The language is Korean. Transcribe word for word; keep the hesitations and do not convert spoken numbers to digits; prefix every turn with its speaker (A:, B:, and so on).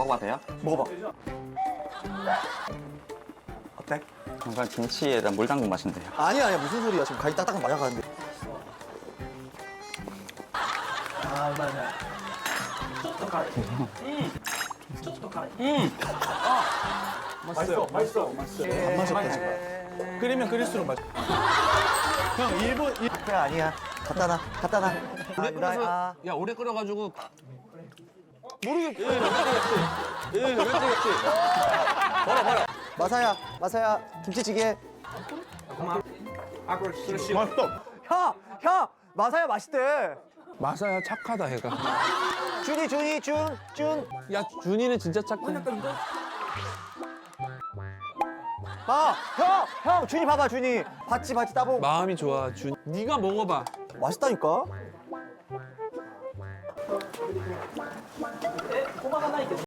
A: 먹어봐도 돼요?
B: 먹어봐. 어때?
A: 뭔가 김치에다 물 담근 맛인데요.
B: 아니야, 아니야. 무슨 소리야. 지금 간이 딱딱 맞아가는데. 아, 맞아.
C: 맛있어, 맛있어, 맛있어.
B: 안 마셨다, 지금.
C: 끓이면 끓일수록 맛있어. 형, 일본, 일...
B: 그래, 아니야. 갖다 놔, 갖다 놔.
D: 오래
B: 아,
D: 끓여서
B: 아.
D: 야 오래 끓여가지고
C: 모르겠지.
D: 예 왠지 겠지 버려 버려
B: 마사야, 마사야. 김치찌개.
C: 맛있어.
B: 형, 형. 마사야 맛있대.
D: 마사야 착하다 얘가.
B: 준이, 준이, 준, 준.
D: 야 준이는 진짜 착해.
B: 봐, 형, 형. 준이 봐봐, 준이. 봤지, 봤지, 따봉.
D: 마음이 좋아 준. 네가 먹어봐.
B: 맛있다니까.